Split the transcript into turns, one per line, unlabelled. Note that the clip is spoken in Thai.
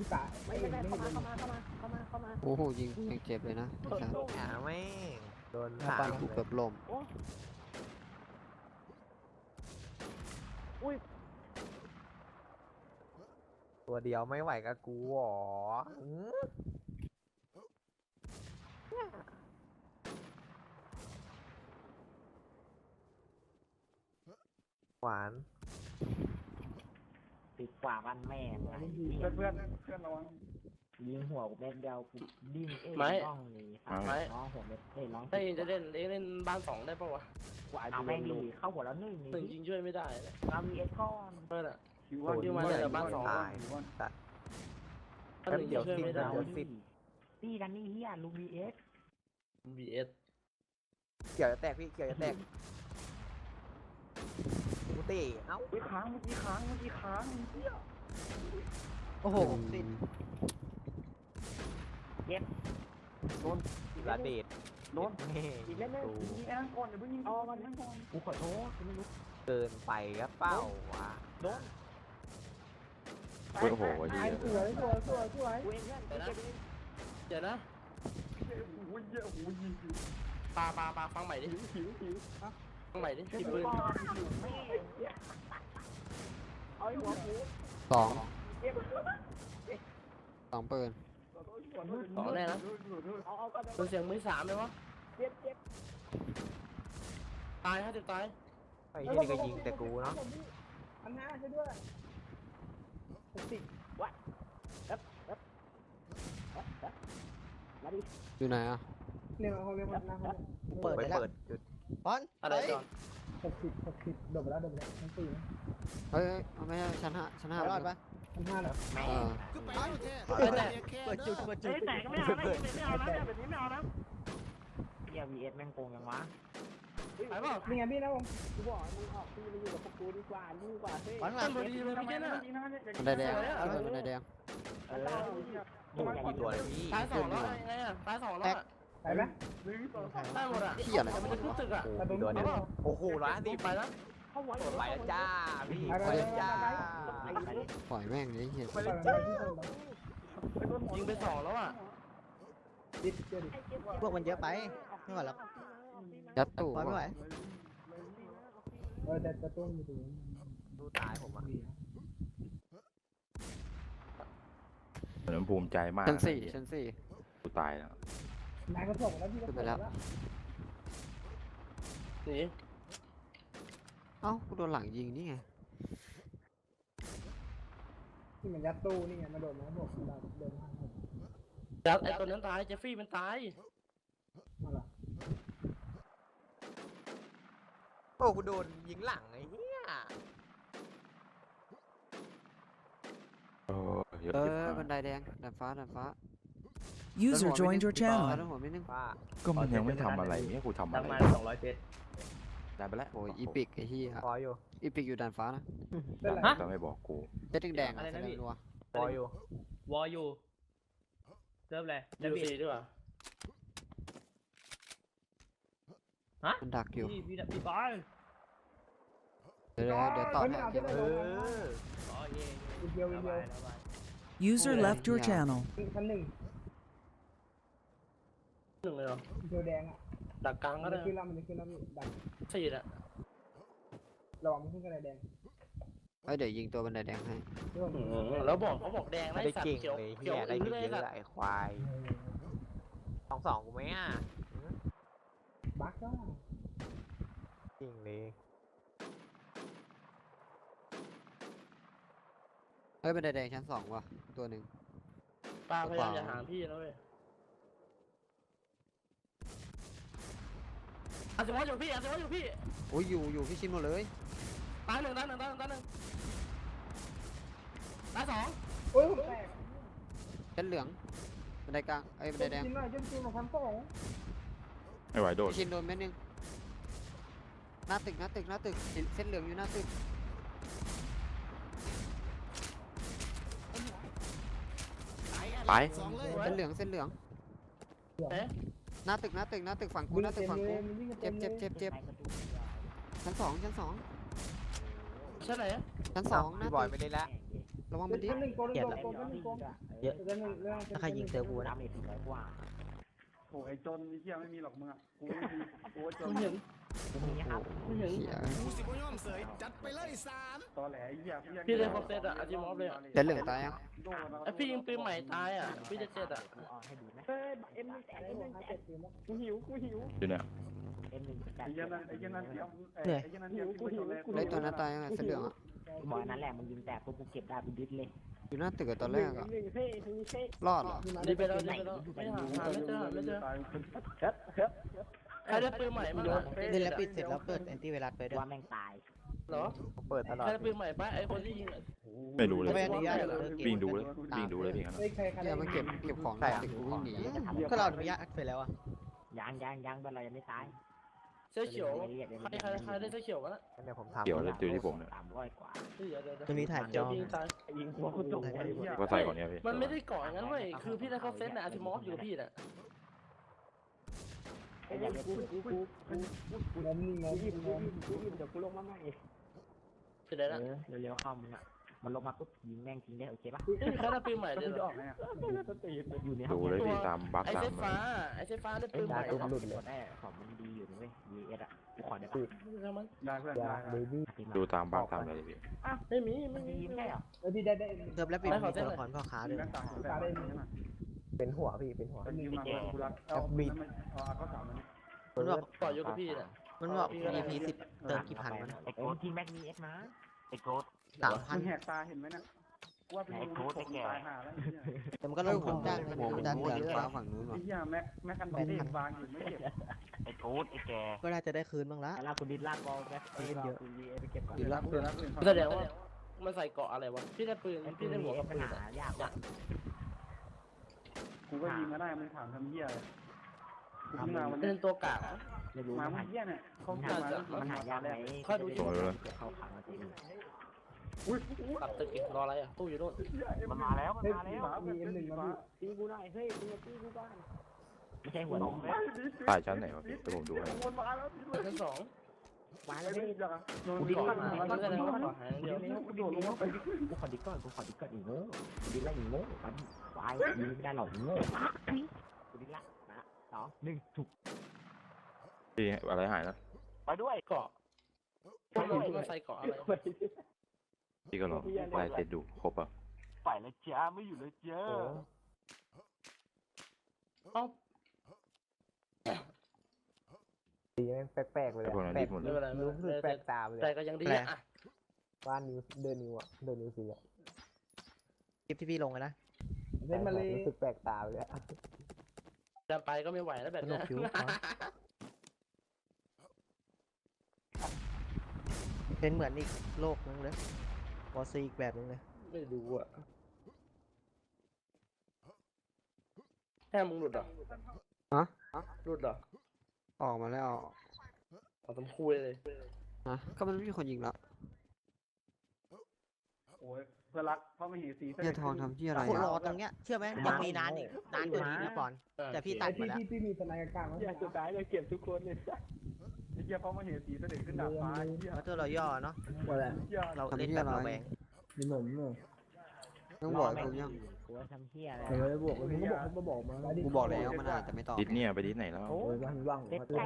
พี่ตาไม่เข้ามา
โอ้โหยิงยังเจ็บเลยนะ
อ่าไม่โดน
ตา
สาม
กูเกือบล้ม
ตัวเดียวไม่ไหวกับกูหรอหวาน
ติดกว่าบ้านแม่ง
เพื่อนระวัง
ยิงหัวกูเม็ดเดียวกูดิ้นต้องนี่น้องหัวเม็ดน้อง
ถ้าเองจะเล่นบ้านสองได้ปะวะ
เอาแม่งดีเข้าหัวแล้วหนึ่ง
หนึ่งยิงช่วยไม่ได้เลย
เรามีเอ็กก้อน
เพื่อนอะ
คิวว่า
คิวมาจากบ้านสอง
ตายตัด
ถ้าหนึ่งยิงช่วยไม่ได้
นี่กันนี่เฮียลูบีเอ็ก
VS
เกี่ยวจะแตกพี่เกี่ยวจะแตกกูเตะเอ้า
ค้างเมื่อกี้ค้างเฮีย
โอ้โห
ระเดด
โดน
แม่
อีกเล่นยิงไอ้นั่นก่อนอย่าเพิ่งยิงเอามาก่อน
กูขอโทษกูไม่รู้
เกินไปครับเป้าวะ
โอ้โหดี
สวย
กูเองเพื่อน
เดี๋ยวนะ
โอ้ยเยอะโอ้ยยิง
ปลาฟังใหม่ดิ
หิว
ฟังใหม่ดิที่ปืน
เอาหัวกู
สองสองปืน
สองแน่นะ
เอากัน
ตัวเสียงมือสามเลยวะ
เจ็บ
ตาย50ตาย
ไอ้ที่นี่ก็ยิงแต่กูเนาะ
อันหน้าใช่ด้วย60วัดมาดิ
อยู่ไหนอ่ะ
เนี่ยเขาเรียกว่าหน้าเขา
เปิดไปเปิดจุด
อะไรจอน
60โดดไปแล้วทั้งปีนะ
เฮ้ยไม่ใช่ชั้นห้ารอดปะ
ทั้ง5แล้ว
เออ
เปิดจุด
แต่ก็ไม่เอานะไม่เอานะแบบนี้ไม่เอานะเฮียวีเอสแม่งโกงยังวะ
ไปเปล่า
นี่ไงพี่นะผมกูบอกมึงออกพี่มาอยู่กับพวกกูดีกว่าเฮ้
ตั้งพอดีเลยพี่เจ้า
บันไดแดงบันไดแดง
โอ้กี่ตัวเลยพี่
ตายสองแล้วไงอ่ะตายสองแล้วอ่ะ
ไปไหม
ได้หมดอ่ะ
เที่ยอะไร
มันจะขึ้นตึกอ่ะ
โอ้กี่ตัวเนี่ยโอ้โห150
ไปแล้ว
ไปแล้วจ้าพี่ไปแล้วจ้า
ปล่อยแม่งเลยเหี้ย
ไปแล้วจ้า
ยิงไปสองแล้วอ่ะ
พวกมันเยอะไปไม่ไหวหรอก
ยัดตู้
ปล่อยไม่ไหว
แต่ตัวอยู่ตรงนี้
ดูตายผมอ่ะ
เหมือนภูมิใจมาก
ชั้นสี่
กูตายแล้ว
นายก็ส่งแล้วพี่ก็
ขึ้นไปแล้ว
หนี
เอ้ากูโดนหลังยิงนี่ไง
ที่มันยัดตู้นี่ไงมาโดนนะบอกเราเดินทางผม
จัดไอตัวนั้นตายเจฟฟี่มันตาย
มาละ
โอ้กูโดนยิงหลังไอ้เหี้ย
เออเยอะ
เอ
เย
อ
อะ
บันไดแดงดันฟ้า
User joined your channel.
ดันหัวไม่นึง
ป้า
ก็มันยังไม่ทำอะไรเนี่ยกูทำอะไร
ประมาณ200เซต
ได้ไปแล้ว
โอ้ยอีปิกไอ้เหี้ย
พออยู่
อีปิกอยู่ดันฟ้านะ
เป็นไร
แต่ไม่บอกกู
เจ็ดแดงๆอะแสดงนัว
พออยู่
วออยู่เริ่มเลย
ยูซีด้วยว่ะ
มันดักอยู่
พี่บอล
เดี๋ยวต่อแถวเก็บ
เอ
ไว้
อ
อ๋อเย่
วิดีโอ
User left your channel.
ชั้น1
หนึ่งเลยเหรอ
วิดีโอแดงอ่ะ
ดักกลางก็
มัน
ได้
จะขึ้นแล้วดัน
สี่อ่ะ
ระวังมันขึ้นกระไดแดง
เอ้ยเดี๋ยวยิงตัวบันไดแดงให้
แล้วบอกเขาบอกแดง
ไม่
ไล่
ได้
สัต
เก่ง
ว์เขียว
เลย
เขี
เหี้
ยวย
ได้
อื้
เก่
อง เลย
เย
สัต
อะ
ว์
ไอ้ควาย2-2กูไหมอ่ะ
บักก็
เก่งเลย
เฮ้ยบันไดแดงชั้นสองว่ะตัวหนึ่ง
ป้าพยายามจะหาพี่แล้วเว้ยอาจจะว่าอยู่พี่อาจจะว่าอยู่พี่
โอ้ยอยู่พี่ชิมหมดเลย
ตายหนึ่งตายสอง
โอ้ยแตก
ชั้นเหลืองบันไดกลางเอ้ยบันไดแดง
กินหน่อยจนกินของพันสอง
ไม่ไหวโดด
พี่ชินโดนเม็ดนึงหน้าตึกเส้นเหลืองอยู่หน้าตึก
ไป
เส้นเหลือง
เอ๊ะ
หน้าตึกฝั่งกูหน้าตึกฝั่งกูเจ็บชั้นสอง
ใช่ไหน
ชั้นสองหน้า
พี่บอย
ตึก
ไม่ได้ละ
ระวังมันดิ
หนึ่งโกนหนึ่งโกนหนึ่งโกน
เยอะ
เรื่องหนึ่งเรื่อง
ถ้าใครยิงเจอกูนะเมจ400กว่า
โอ้ไอ้จนไอ้เหี้ยไม่มีหรอกมึงอ่ะกูไม่มีกูว่าจน
กูมีครับ
เหี้ย
ตอแหลไอ้เหี้ย
พี่เลยครบเซตอะอาร์ติมอฟเลยอะ
เส้นเหลืองตายยัง
ไอพี่ยิงปืนใหม่ตายอะพี่จะเจ็ดอะ
กูออนให้ดูไหม
เฮ้ยเอ็มหนึ่งแตกเอ็มหนึ่งแตกกูหิว
อยู่เนี่ย
M1
ไอ้เหี้ยนั่นไอ้เหี้ยนั่นเตรียมไอ้เหี้ยนั่นเตรียมที่ไปจนแรก
ไอ้ตัวนั้นตายยังไงเส้นเหลืองอ่ะ
กูบอกนั่นแหละมึงยิงแตกปุ๊บกูเก็บได้กูยึดเลย
อยู่หน้าตึกอะตอนแรกอ่ะ
หนึ่งเท่หนึ่งเท่
รอดเหรอ
ดีไปแล้วดีไปแล้วไม่หาไม่เจอไม่เจอใครได้ปืนใหม่มา
เล่นแล้วปิดเสร็จแล้วเปิดแอนตี้ไวรัสไปด้วย
ว่าแม่งตาย
เหรอ
เปิดตลอด
ใครได้ปืนใหม่ปะไอคนที่ยิง
ไม่รู้เลย
ไม่อนุญาตเหรอ
วิ่งดูเลยวิ่งดูเลยพี่ครับ
เฮ้ยใคร
เนี่ยมันเก็บของในตึกกูวิ่งหนี
ก็เราอนุญาตเสร็จแล้วอ่ะ
ยังเป็นไรยังไม่ตาย
เสื้อเขียวใครได้เสื้อเขียววะ
เดี๋ยวผมทำ
เกี่ยวเลยดูที่ผมเนี่ย
300กว่า
ตรงนี้ถ่ายจอ
ยิงตาย
ยิงหัวกูตกไอ้เหี้ย
ก็ใส่ก่อนเนี่ยพี่
มันไม่ได้ก่ออย่างนั้นเว้ยคือพี่ได้ครบเซตนะอาร์ติมอฟอยู่กับพี่น่ะ
ไอ้ยังกูงมนี่งมเดี๋ยวกูลงมาใหม่
เสร็จแล้วนะ
เร็วๆเข้ามึงอ่ะมันลงมาปุ๊บยิงแม่งทิ้งได้โอเคปะ
ใครได้ปืนใหม่
ก็
เลย
คือ
เหร
จะอ
อ
อกไงอ่ะ
อยู่ใน
ดูเลยพี่ตามบัก
ไอ
ตา
เซ
ม
ฟฟ้าไอเซฟฟ้าได้ปืนใหม่
ตัวมันหลุดเลยได้ของมันดีอยู่นะเว้ย VS อ่ะกูขอได้ปะ
มัน
ได้เพื่อนได้
ดูตามบักตามอะไรพี่
ไม่มีไม่
มัน
มี
ดีแค่เหรอ
พี่ได้
เติมแล้วปิดมีตัวละครพ่อค้าด้วย
แม่งต่างกันแต่
เป็นหัวพี่เป็นหัว
เป็นมากูรักเอาบีดเอาข้าวสารมัน
มันบอก
ต่ออยู่กับพี่น่ะ
มันบอก EP 10เติมกี่พันวะ
ไอ้โกดยิงแม็กมีเอสนะไอ้โกด
มึงแหกตาเห็นไหมนะว่าเป็นรูผมตายห่าแล้ว
แต่มันก็ลงทุนจ้างนะจ้าง
เหลือง
เยอะ
ฟ้าฝั่งนู้น
ไอ้
ว่ะ
เหี้ยแม็กกันแบนวางอยู่ไม่เก็บ
ไอ้โกดไอ้แก
ก็น่าจะได้คืนบ้างละ
แล้วคุณดิดลากบอลแม็กเล่นเยอะ
ไปเก็บก่อน
แสดงว่ามันใส่เกาะอะไรวะพี่ได้ปืนพี่ได้หัวกับ
ปั
ปื
ญ
น
หายากว่ะ
กูก็ยิงมาได้มึงถามทำเหี้ยกูมาวัน
เป็
นี้
นตัวกาก
ไม่รู้
มา
มัน
เหี้ยเนี่ยเขา
มันหายากไหมเข้าขังมาจริง
ตัดตึกอีกรออะไรอ่ะตู้อยู่โน่น
มันมาแล้วมันมาแล้ว
มี M1 มาตีกูหน่อยเฮ้ยมึงตีกูบ้าง
ไม่ใช่หัวลง
ตายชั้นไหนวะพี่เดี๋ยวผมดูให้
ชั้นสอง
มาแล้วพี่
กูดิ
เกาะ
ก่อน
หายมันแสดงว่าเกาะหายเดียว
กูโดดลงไป
กูขอดิก่อนอีกโง่กูดิละอีโง่มันวายยิงไม่ได้หรอกอีโง่กูดิละนะ2 1ถูก
พี่อะไรหายนะ
ไปด้วย
เกาะมันใส่เกาะอะไร
พี่ก็ลองไล่เสร็จดูครบอ่ะ
ไปแล้วจ้าไม่อยู่แล้วจ้า
เอ้า
ดีแม่งแปลกๆเลย
ไอ้พวกนั้นรีบหมดเล
ไม่
ย
เป็นไร
รู้สึกแปลกตาเลย
แต่ก็ยังดีอ่ะ
บ้านนิ้วเดินนิ้วอ่ะเดินนิ้วสีอ่ะ
คลิปที่พี่ลงนะ
เล่นมาเลย
รู้สึกแปลกตาเลย
จะไปก็ไม่ไหวแล้วแบบ
สนุ
นี้
กผิวเป็นเหมือนอีกโลกนึงเลยวอซีอีกแบบนึงเลย
ไม่รู้อ่ะแค่มึงหลุดเหรอหลุดเหรอ
ออกมาแล้ว
เอาตำคุยเลย
ฮะก็มันไม่มีคนยิงแล้ว
โอ้ยเพื่อรักเพราะไม่เห็นสี
เนี่ยทองทำที่อะไร
คนร
อ่ะ
อตรงเนี้ยเชื่อไหมยังมีนานอีกนานกว่านี้นะก่อนแต่พี่ตัดมาแล้ว
ที่มีสนายกลางอยากสุดท้ายเลยเก็บทุกคนเลย
ไอ้เหี้ยเพราะไม่เห็นสีเสด็จขึ้นดาดฟ้าไอ้เหี้ย
เพราะตัวเราย่อเนาะ
ว่าแหละ
เราเล่นแบบเราแบง
มีหนมเนอะ
ต้องบอกผมยัง
กูว่าทำเฮียอะไร
ไม่ได้บอกมึงก็บอกมา
กูบอกแล้วมันอาจจะไม่ตอบ
ดิสเนี่ยไปดิสไหนแล้ว
โอ้ยว่าง
เล่น